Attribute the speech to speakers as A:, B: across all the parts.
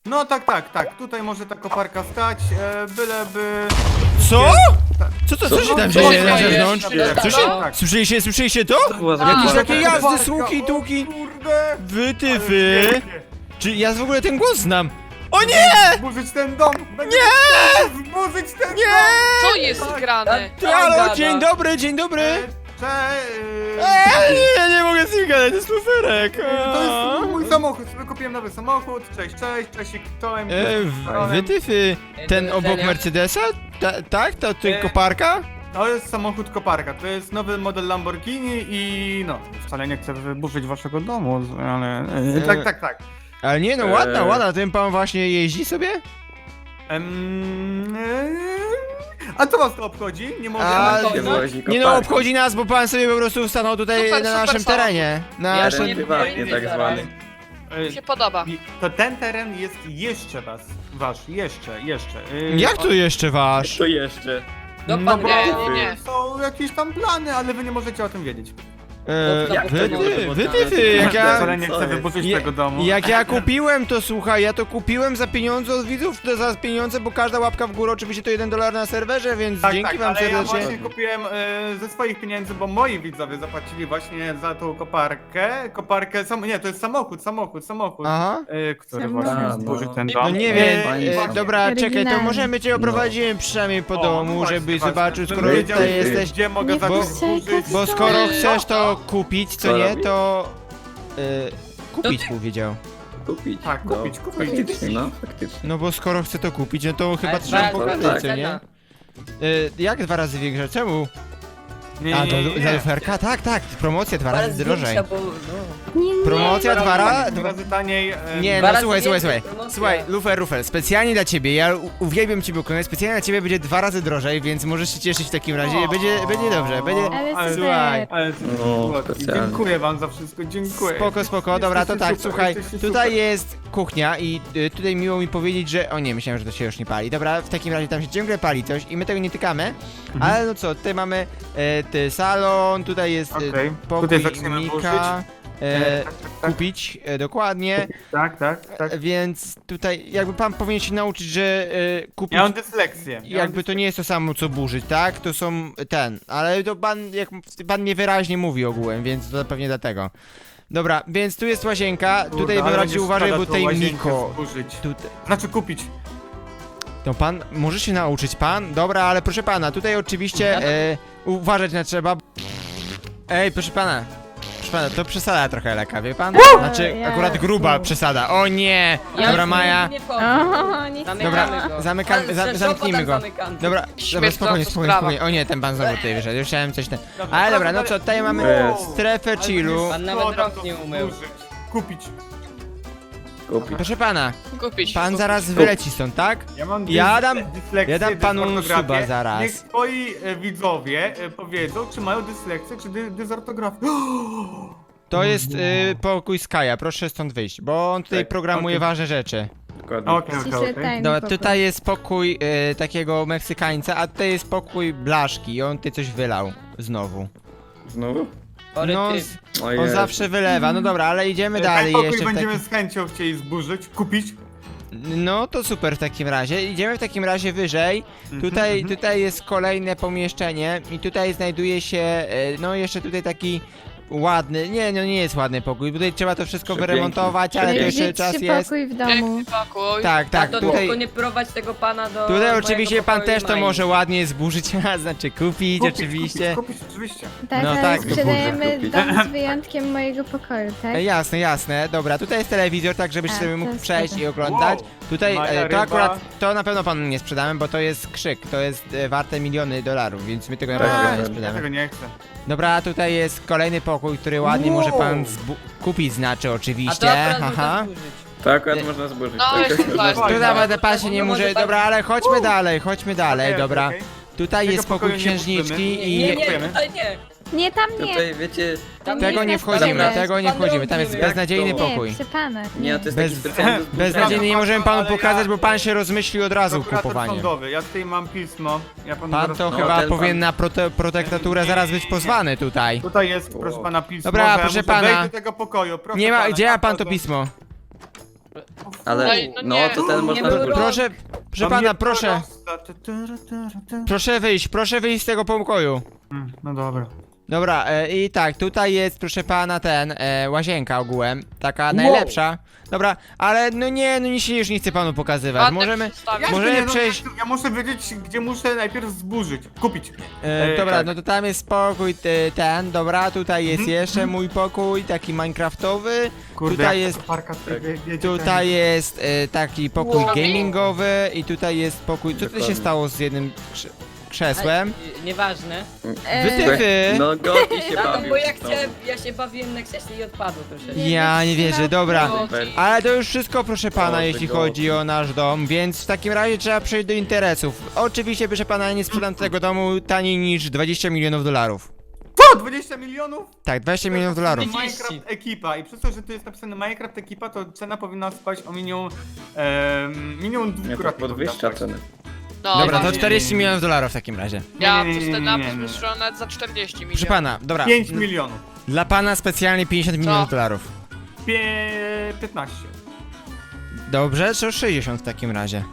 A: No tak, tutaj może ta koparka stać, byleby...
B: Co?
A: Tak.
B: Co się tam
C: Co
B: dzieje
C: się
B: na
C: dzieje?
B: zewnątrz? Co się...
A: Tak.
B: Słyszeliście to?
C: Była za
B: Jakieś
C: wielka
B: takie
C: koparka.
B: jazdy,
A: Koparka,
B: słuki,
A: o
B: tuki.
A: Kurde!
B: Wytyfy.
A: Pięknie.
B: Czy ja w ogóle ten głos znam? O nie!
A: Zburzyć ten dom!
B: Nie!
A: Zburzyć ten dom!
B: Nie!
D: Co jest grane?
B: Halo, dzień dobry, dzień dobry. Nie mogę z nim gadać, to jest luferek.
A: To jest mój samochód, sobie kupiłem nowy samochód, cześć, czołem.
B: Wytyfy. Ten obok Mercedesa? Tak? To koparka?
A: To jest samochód koparka, to jest nowy model Lamborghini i no, wcale nie chcę wyburzyć waszego domu, ale... Tak.
B: Ale nie no, ładna, ten pan właśnie jeździ sobie?
A: A co was to obchodzi? Nie mogę...
C: Nie wozi
B: Nie no,
C: koparki.
B: obchodzi nas, bo pan sobie po prostu stanął tutaj
D: Super,
B: na
D: super
B: naszym
D: samochód.
B: terenie. Na
C: Teren
B: naszym...
C: prywatnie tak zwany.
D: Mi się podoba.
A: To ten teren jest jeszcze wasz, jeszcze.
B: Jak to jeszcze wasz?
C: To jeszcze.
A: No
D: pan
A: bo
D: nie.
A: są jakieś tam plany, ale wy nie możecie o tym wiedzieć.
C: Jak to nie może być?
B: Wytyfy, jak ja...
A: Wcale nie
C: Co
A: chcę
C: jest?
A: wyburzyć
B: Je-
A: tego domu.
B: Jak ja kupiłem to, słuchaj, ja to kupiłem za pieniądze od widzów, to za pieniądze, bo każda łapka w górę oczywiście to $1 na serwerze, więc dzięki wam
A: ale ja
B: serdecznie.
A: właśnie kupiłem ze swoich pieniędzy, bo moi widzowie zapłacili właśnie za tą koparkę. Nie, to jest samochód,
B: Aha.
A: który
E: Samochód.
A: właśnie
C: A,
A: zburzył
C: no.
A: ten
B: No
A: dom.
B: nie wiem,
C: Fajnie.
B: dobra, czekaj, to
E: Oryginalnie.
B: możemy cię oprowadzimy przynajmniej po domu,
A: właśnie,
B: żebyś
A: właśnie,
B: zobaczył,
A: żebym
B: skoro
A: wiedział,
B: tutaj jesteś.
A: gdzie mogę
E: Nie
A: zacząć
E: puszczaj
A: zburzyć.
B: Bo skoro chcesz to kupić, co
C: Co
B: nie,
C: robisz?
B: to... kupić powiedział.
C: Kupić.
A: Tak,
C: No,
A: kupić.
C: Faktycznie, no, faktycznie.
B: No bo skoro chce to kupić, no to chyba
F: Ale
B: trzeba
F: tak,
B: pokazać,
C: tak.
B: co nie? Jak 2 razy większa? Czemu?
A: Nie,
B: A,
A: nie,
B: to
A: nie,
B: za
A: nie.
B: luferka? Tak, promocja 2
F: Ale
B: razy drożej.
F: zdjęcia, bo no.
E: Nie.
B: Promocja 2 razy...
A: 2 razy taniej.
B: Nie,
F: Dwa
B: no
F: razy
B: słuchaj.
F: więcej promocja.
B: Słuchaj, Lufer, specjalnie dla ciebie, ja uwielbiam ciebie oglądać, specjalnie dla ciebie będzie 2 razy drożej, więc możesz się cieszyć w takim razie, będzie dobrze, będzie...
E: Ale
B: Słuchaj.
E: super.
A: Ale
C: No,
A: słodki.
C: specjalnie.
A: Dziękuję wam za wszystko, dziękuję.
B: Spoko, dobra, to
A: Jesteście
B: tak,
A: super,
B: słuchaj,
A: jesteście
B: tutaj
A: super.
B: jest kuchnia i tutaj miło mi powiedzieć, że... O nie, myślałem, że to się już nie pali. Dobra, w takim razie tam się ciągle pali coś i my tego nie tykamy, ale no co, tutaj mamy salon, tutaj jest
A: Okej,
B: pokój
A: tutaj zaczniemy
B: Mika,
A: Tak.
B: kupić, dokładnie,
A: Tak.
B: więc tutaj jakby pan powinien się nauczyć, że kupić...
A: Ja mam dysleksję.
B: Jakby to nie jest to samo co burzyć, tak? To są ale to pan, jak pan niewyraźnie mówi ogółem, więc to pewnie dlatego. Dobra, więc tu jest łazienka, tutaj bym radził uważać, bo tutaj Miko. Tutaj.
A: Znaczy kupić.
B: To pan, może się nauczyć pan? Dobra, ale proszę pana, tutaj oczywiście uważać na trzeba. Ej, proszę pana, to przesada trochę lekka, wie pan? Znaczy,
E: Ja-
B: akurat gruba przesada. O nie! Dobra, Maja.
F: Nie wchodzę.
E: O, nic
B: Dobra, zamknijmy go. Dobra,
D: Śmieszna
B: spokojnie.
D: sprawa.
B: O nie, ten pan znowu tutaj wyszedł, już chciałem coś ten...
A: Dobra,
B: Ale dobra,
A: proszę
B: no co, tutaj
A: dalej.
B: mamy
C: Jest.
B: strefę chillu.
F: Pan nawet
A: Co tam
F: rąk
A: to
F: nie umył.
A: zburzyć? Kupić.
C: Kupić.
B: Proszę pana,
D: Kupić.
B: pan zaraz wyleci stąd, tak?
A: Ja mam
B: Ja dam panu
A: dysortografię.
B: suba zaraz.
A: Niech twoi widzowie powiedzą, czy mają dysleksję, czy dysartografię.
B: To jest pokój Skaja, proszę stąd wyjść, bo on tutaj
C: Tak,
B: programuje
A: okej.
B: ważne rzeczy.
C: Dokładnie.
E: Ciszę tajny
B: Dobra,
E: pokój.
B: tutaj jest pokój takiego Meksykańca, a tutaj jest pokój Blaszki i on tutaj coś wylał znowu.
C: Znowu?
B: No,
C: O
B: on
C: Jezu.
B: zawsze wylewa, no dobra, ale idziemy
A: Ten
B: dalej
A: pokój
B: jeszcze w
A: będziemy
B: takim...
A: z chęcią chcieli zburzyć, kupić.
B: No to super w takim razie. Idziemy w takim razie wyżej. Tutaj jest kolejne pomieszczenie i tutaj znajduje się, no jeszcze tutaj taki ładny, nie jest ładny pokój. Tutaj trzeba to wszystko
C: Przepiękny.
B: wyremontować, ale to
E: Będzie
B: jeszcze czas
E: 3
B: jest.
E: pokój w domu.
D: Piękny pokój.
B: Tak,
F: Tato,
B: tutaj.
F: tylko nie prowadź tego pana do
B: Tutaj
F: mojego
B: oczywiście pan
F: pokoju
B: też to
F: Mai.
B: może ładnie zburzyć, a znaczy kupić oczywiście.
A: Kupić, oczywiście.
E: Tak,
B: No
E: ale
B: tak.
E: sprzedajemy
C: Kupić.
E: dom z wyjątkiem mojego pokoju, tak?
B: Jasne. Dobra, tutaj jest telewizor, tak żebyś
E: A,
B: sobie
E: to
B: mógł
E: jest
B: przejść
E: spoko.
B: i oglądać.
A: Wow.
B: Tutaj
A: Maja
B: to
A: ryba.
B: akurat, to na pewno panu nie sprzedamy, bo to jest krzyk, to jest warte miliony dolarów, więc my tego na
C: Tak,
B: pewno nie
C: tak.
A: Ja
B: sprzedamy.
A: tego nie chcę.
B: Dobra, tutaj jest kolejny pokój, który ładnie
A: Wow.
B: może pan kupić, znaczy
F: A to
B: oczywiście.
F: akurat
B: Haha.
F: można zburzyć.
C: To akurat można zburzyć.
D: No,
C: To
D: jest
C: akurat
D: super.
C: można
B: Tu nawet pan się nie
F: No,
B: może.
F: może pan-
B: Dobra, ale chodźmy dalej,
A: Okej,
B: dobra.
A: okej.
B: Tutaj
A: Tego
B: jest pokój
A: pokoju nie
B: księżniczki
A: wpuszczymy.
B: i.
F: Nie,
A: kupujemy.
F: tutaj nie.
E: Nie, tam nie.
C: Tutaj wiecie,
F: Tam
B: Tego
E: jest
B: nie
E: na
B: wchodzimy,
E: stole.
B: tego nie
F: Pan
B: wchodzimy. Tam jest
F: drogi
B: beznadziejny
C: jak
E: Nie,
B: pokój.
E: przy pana.
C: nie, to jest
B: Bez-
C: taki specjalny do zburzenia.
B: Beznadziejnie nie możemy panu
A: Ale ja-
B: pokazać, bo pan się rozmyśli od razu
A: Prokurator
B: kupowanie.
A: sądowy, ja tutaj mam pismo. Ja panu
B: Pan
A: zaraz
B: to
C: No,
B: chyba
C: ten
B: powinien
C: pan-
B: na protektaturę zaraz być pozwany tutaj.
A: Tutaj jest, proszę pana, pismo.
B: Dobra,
A: że ja
B: proszę
A: muszę
B: pana.
A: wejść do tego pokoju. Proszę
B: Nie ma,
A: pana,
B: gdzie ma pan to
A: naprawdę.
B: pismo?
C: Ale,
D: No
C: no
D: nie.
C: to ten można
F: było.
C: zburzyć.
B: Proszę pana, proszę. Proszę wyjść z tego pokoju.
A: No dobra.
B: Dobra, i tak, tutaj jest, proszę pana, łazienka ogółem, taka najlepsza. Dobra, ale no nic się już nie chcę panu pokazywać.
D: Ładne
B: Możemy,
D: przedstawienie.
B: możemy przejść.
A: Ja muszę wiedzieć, gdzie muszę najpierw zburzyć. Kupić.
B: Dobra,
A: tak.
B: no to tam jest pokój dobra, tutaj jest jeszcze mój pokój, taki minecraftowy.
A: Kurde,
B: Tutaj
A: jak
B: jest-
A: to parka wiecie,
B: Tutaj jest taki pokój
D: Wow.
B: gamingowy i tutaj jest pokój. Co tutaj się
C: Dokładnie.
B: stało z jednym krzesłem?
F: Nieważne.
B: Wytyfy!
C: No Goti się
F: No
C: bawił.
F: bo
C: znowu.
F: ja się bawiłem na krześle i odpadło troszeczkę.
B: Ja nie wierzę, dobra.
C: Super.
B: Ale to już wszystko, proszę pana,
C: O,
B: jeśli
C: tego.
B: chodzi o nasz dom, więc w takim razie trzeba przejść do interesów. Oczywiście, proszę pana, nie sprzedam tego domu taniej niż 20 milionów dolarów.
A: Co? 20 milionów?
B: Tak, 20 milionów dolarów.
A: Minecraft ekipa i przez to, że tu jest napisane Minecraft ekipa, to cena powinna spaść o minimum
C: Nie, to
A: dwukrotnie.
C: podwyższa ceny.
D: No,
B: Dobra, to
D: właśnie.
B: 40 milionów dolarów w takim razie.
D: Ja
A: Nie, nie,
D: przez
A: nie,
D: ten
A: nie,
D: napis
A: nie.
D: wyszło nawet za 40 milionów.
B: Proszę pana, dobra.
A: 5 milionów.
B: Dla pana specjalnie 50 milionów dolarów.
A: 15.
B: Dobrze, to 60 w takim razie.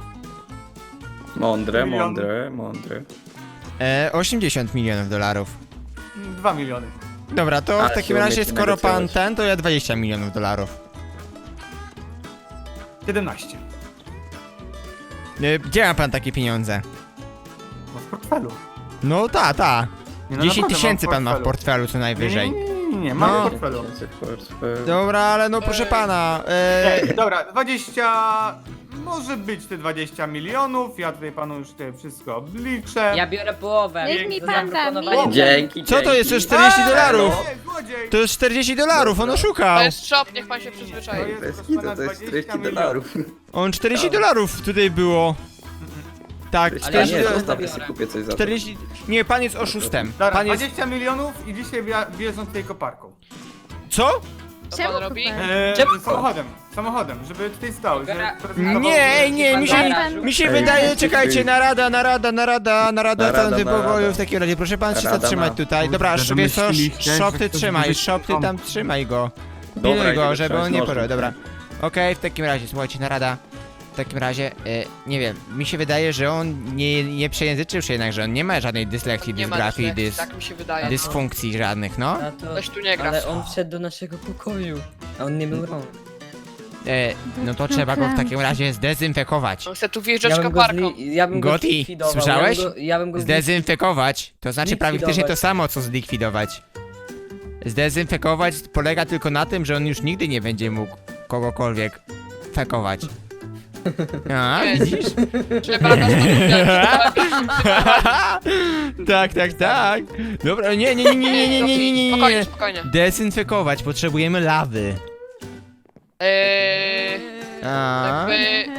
C: Mądre,
A: Milion.
C: mądre.
B: 80 milionów dolarów.
A: 2 miliony.
B: Dobra, to
C: Ale
B: w takim
C: się
B: razie,
C: umiecie
B: skoro pan
C: negocjować.
B: to ja 20 milionów dolarów.
A: 17.
B: Gdzie ma pan takie pieniądze?
A: No w portfelu.
B: No ta.
A: Nie, no
B: 10
A: naprawdę
B: tysięcy
A: mam
B: pan ma w portfelu co
A: Nie,
B: najwyżej.
A: nie, mam
B: No.
A: w portfelu.
B: Dobra, ale no proszę pana.
A: Dobra, 20... Może być te 20 milionów, ja tutaj panu już te wszystko obliczę.
F: Ja biorę połowę.
E: Niech mi
F: za
E: pan da,
F: zaproponowanie
E: mi.
C: Dzięki,
B: Co to
C: dzięki.
B: jest? To jest 40
A: Eee,
B: dolarów.
A: Złodziej!
B: To jest 40 dolarów, on oszukał.
D: To jest shop, niech pan się przyzwyczai.
C: To jest hita, to jest 40 dolarów.
B: On 40 dolarów tutaj było. Tak,
F: Ale
C: Ja
B: 40
C: nie,
F: dolarów.
C: zostawię sobie kupię coś za to.
B: 40. Nie, pan jest oszustem.
A: Dobra,
B: Pan jest.
A: 20 milionów i dzisiaj wjeżdżą tutaj koparką.
B: Co?
D: Co
E: Czemu
D: pan robi?
E: kupę?
F: Czemu?
A: Samochodem, żeby tutaj stał.
F: Dobra.
B: Nie, nie, mi się,
F: Pan-
B: mi się
C: Ej,
B: wydaje,
C: ej,
B: czekajcie,
C: ej.
B: narada
C: Narada,
B: w pokoju
C: narada.
B: w takim razie, proszę pan się
C: Narada
B: zatrzymać
C: ma.
B: tutaj. Dobra,
A: Kurde,
B: wiesz co,
A: domyśliliście,
B: szop
A: że
B: ty
A: ktoś
B: trzymaj,
A: będzie
B: szop ty
A: tam.
B: tam trzymaj go.
C: Dobra,
B: Pilnuj go,
C: idę
B: żeby
C: trzymać
B: on nie
C: nożem.
B: porwał, dobra. Okej, w takim razie, słuchajcie, narada. W takim razie, nie wiem, mi się wydaje, że on nie przejęzyczył się jednak, że on nie ma żadnej dyslekcji,
D: Nie ma
B: dysgrafii,
D: dyslekcji, tak mi się wydaje.
B: dysfunkcji żadnych, no.
F: A to...
D: Ktoś tu nie gra.
F: Ale on wszedł do naszego pokoju. A on nie był rąk.
B: No to trzeba go w takim razie zdezynfekować.
D: On chce tu wjeżdżać koparką.
F: Ja bym go
B: Goti,
F: zlikwidował.
B: słyszałeś?
F: Ja bym go
B: Zdezynfekować, to znaczy praktycznie to
F: Zlikwidować.
B: samo co zlikwidować. Zdezynfekować polega tylko na tym, że on już nigdy nie będzie mógł kogokolwiek fekować. A,
D: Nie,
B: widzisz?
D: Trzeba nas
B: Tak. Dobra, nie.
D: Spokojnie, spokojnie.
B: Dezynfekować, potrzebujemy lawy. A,
D: Jakby...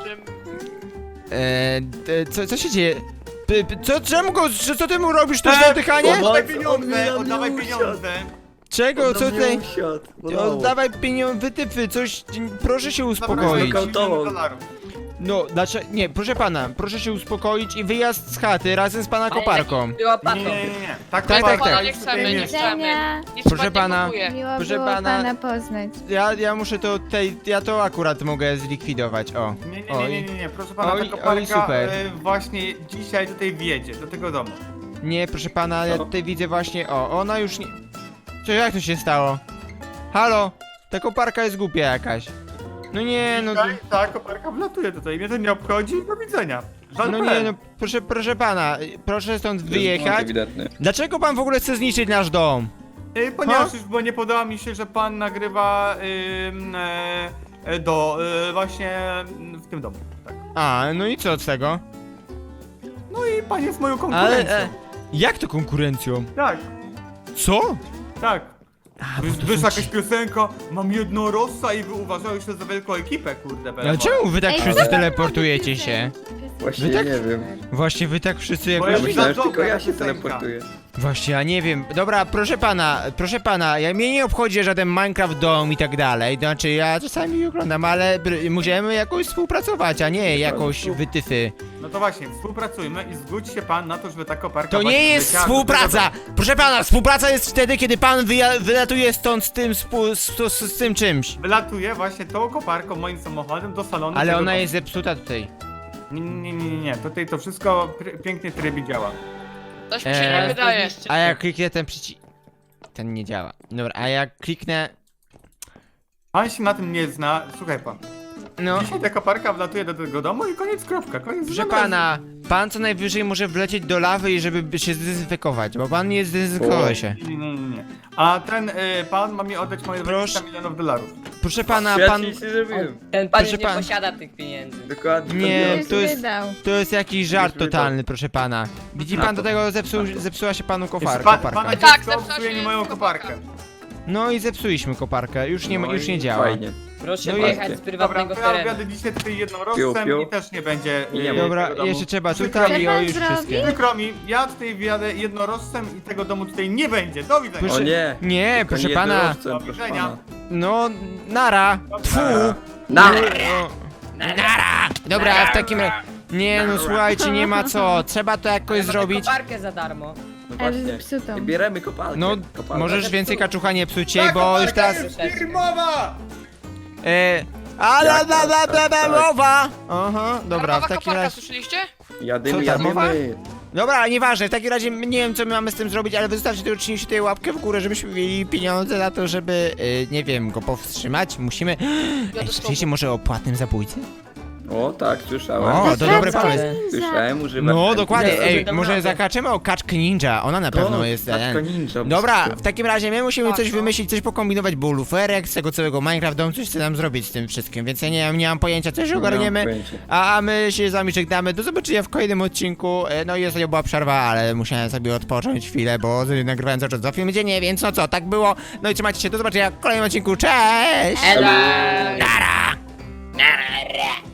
B: co się dzieje? Co ty mu robisz? To jest oddychanie?
A: Oddawaj pieniądze, oddawaj pieniądze.
B: Czego? Co tutaj?
C: Oddawaj
B: Oddawaj pieniądze, wytypy, coś, proszę się uspokoić.
A: Dobra,
C: Nokautował.
A: dolarów.
B: No, dlaczego, nie, proszę pana, proszę się uspokoić i wyjazd z chaty razem z pana koparką.
F: Była
A: Nie,
F: patą.
A: nie. Tak,
B: Tak,
A: koparka
B: tak.
D: Nie
A: jest
D: chcemy,
A: tutaj
D: nie
A: miejsce.
D: chcemy.
E: Widzenia.
D: Nic
B: Proszę
D: pan
B: pana.
D: nie kupuje.
E: Miło
B: Proszę
E: było
B: pana-
E: pana poznać.
B: Ja muszę to tutaj, ja to akurat mogę zlikwidować, o.
A: Nie, proszę pana,
B: Oj,
A: ta koparka
B: oj, super.
A: właśnie dzisiaj tutaj wjedzie, do tego domu.
B: Nie, proszę pana, ja
C: Co?
B: tutaj widzę właśnie, ona już nie... Co, jak to się stało? Halo? Ta koparka jest głupia jakaś. No nie, no...
A: Dzisiaj ta koparka wlatuje tutaj, mnie to nie obchodzi, do widzenia. Żal
B: No nie, no proszę pana, proszę stąd wyjechać.
C: Ewidentny.
B: Dlaczego pan w ogóle chce zniszczyć nasz dom?
A: Ponieważ już bo nie podoba mi się, że pan nagrywa właśnie w tym domu. Tak.
B: A, no i co z tego?
A: No i pan jest moją konkurencją.
B: Ale, jak to konkurencją?
A: Tak,
B: Co?
A: tak.
B: A, bo to
A: Wyszła
B: są ci-
A: jakaś piosenka, mam jednorożca i wy uważałeś się za wielką ekipę, kurde.
B: Ale
A: Bele.
B: czemu wy tak
E: Ej,
B: wszyscy
E: to
B: teleportujecie
E: ładna
B: się?
C: Właśnie
B: Wy tak-
C: nie wiem.
B: Właśnie wy tak wszyscy
A: Bo
B: jakoś...
A: ja
C: Ja myślałem, że
A: dobra
C: tylko ja się
A: piosenka.
C: teleportuję.
B: Właśnie, ja nie wiem. Dobra, proszę pana, mnie nie obchodzi żaden Minecraft Dom i tak dalej. Znaczy, ja czasami oglądam, ale możemy jakoś współpracować, a nie jakoś wytyfy.
A: No to właśnie, współpracujmy i zgódź się pan na to, żeby ta koparka
B: To
A: właśnie
B: nie jest
A: wleciała do
B: współpraca!
A: tego
B: Proszę pana, współpraca jest wtedy, kiedy pan wylatuje stąd z tym, z tym czymś.
A: domu. Wylatuje właśnie tą koparką moim samochodem do salonu.
B: Ale
A: tego
B: ona
A: domu.
B: jest zepsuta tutaj.
A: Nie. Tutaj to wszystko pięknie w trybie działa.
D: Coś mi się nie wydaje.
B: A jak kliknę ten przycisk... Ten nie działa. Dobra, a jak kliknę...
A: Pan się na tym nie zna, słuchaj pan.
B: No,
A: Dzisiaj ta koparka wlatuje do tego domu i koniec, kropka, koniec.
B: proszę
A: żadnego-
B: pana, pan co najwyżej może wlecieć do lawy i żeby się zdezynfekować, bo pan nie zdezynfekował się.
A: Nie. A ten pan ma mi oddać moje
B: Proszę.
A: 20 milionów dolarów.
B: Proszę pana,
C: Ja
B: pan...
C: ci nic nie zrobiłem.
F: Ten pan
B: Proszę
F: nie
B: pan-
F: posiada tych pieniędzy.
C: Dokładnie.
B: Nie,
E: Już
B: to jest-
E: wydał.
B: To jest jakiś żart
C: wydał.
B: totalny, proszę pana. Widzi pan, do tego zepsuła się panu
A: Pana
B: koparka.
D: Tak,
A: dziecko
D: zepsuła
A: psuje
D: się
A: mi moją
D: koparka.
A: koparkę.
B: No i zepsuliśmy koparkę, już nie
C: No i
B: działa.
C: Fajnie.
F: Proszę
B: No i-
F: wyjechać z
A: Dobra,
F: prywatnego
A: to ja
F: terenu.
A: objadę dzisiaj tutaj
C: Piu,
A: jednorożcem
C: piu.
A: i też nie będzie...
C: Nie ma.
B: Dobra,
A: tego domu.
B: jeszcze trzeba
A: Przykro
B: tutaj
A: mi.
B: i
E: Co
B: o
E: pan
B: już
E: zrobi?
B: wszystkie.
A: Przykro mi, ja tutaj wjadę jednorożcem i tego domu tutaj nie będzie. Do widzenia.
B: Proszę-
C: O nie.
B: Nie,
C: Tylko
B: proszę
C: nie
B: pana.
C: jednorożcem,
A: Do
C: proszę
A: widzenia.
C: pana.
B: No, nara. Tfu.
C: Na!
B: Nara. Dobra, w takim razie... Nie no, słuchajcie, nie ma co. Trzeba to jakoś
F: Mamy
B: zrobić.
F: koparkę za darmo.
C: No
E: Ale
C: właśnie.
E: zepsutą.
C: I bieremy kopalkę.
B: No,
C: Kopalkę.
B: możesz więcej kaczucha nie psuć
A: Ta
B: jej, bo już
A: koparka
B: teraz...
A: jest firmowa!
B: Ale
C: Jak to? Tak.
B: mowa! Aha, dobra,
D: Darmowa
B: w takim
D: koparka,
B: razie...
D: słyszeliście?
C: Jadymy,
B: Co, darmowa?
C: jadymy.
B: Dobra, ale nieważne, w takim razie nie wiem co my mamy z tym zrobić, ale wystarczy tylko uczynić tutaj łapkę w górę, żebyśmy mieli pieniądze na to, żeby, nie wiem, go powstrzymać. Musimy... Ej, słyszeliście może o płatnym zabójcy?
C: O, tak, słyszałem.
B: O, to dobry pomysł.
C: Słyszałem, używam.
B: No, dokładnie,
F: Nie,
B: ej,
F: nie,
B: może
F: dobra.
B: zakaczemy o kaczkę ninja, ona na pewno jest...
C: Kaczka ninja.
B: Dobra, w takim razie my musimy
D: Tak,
B: coś
D: no.
B: wymyślić, coś pokombinować, bo luferek z tego całego Minecraft Dome coś chce nam zrobić z tym wszystkim, więc ja nie mam pojęcia, coś ogarniemy. A my się z wami żegnamy, do zobaczenia w kolejnym odcinku. No i ostatnio była przerwa, ale musiałem sobie odpocząć chwilę, bo nagrywałem cały czas 2 filmy dziennie, więc no co, tak było. No i trzymajcie się, do zobaczenia w kolejnym odcinku, cześć!
F: Elo!
B: Nara!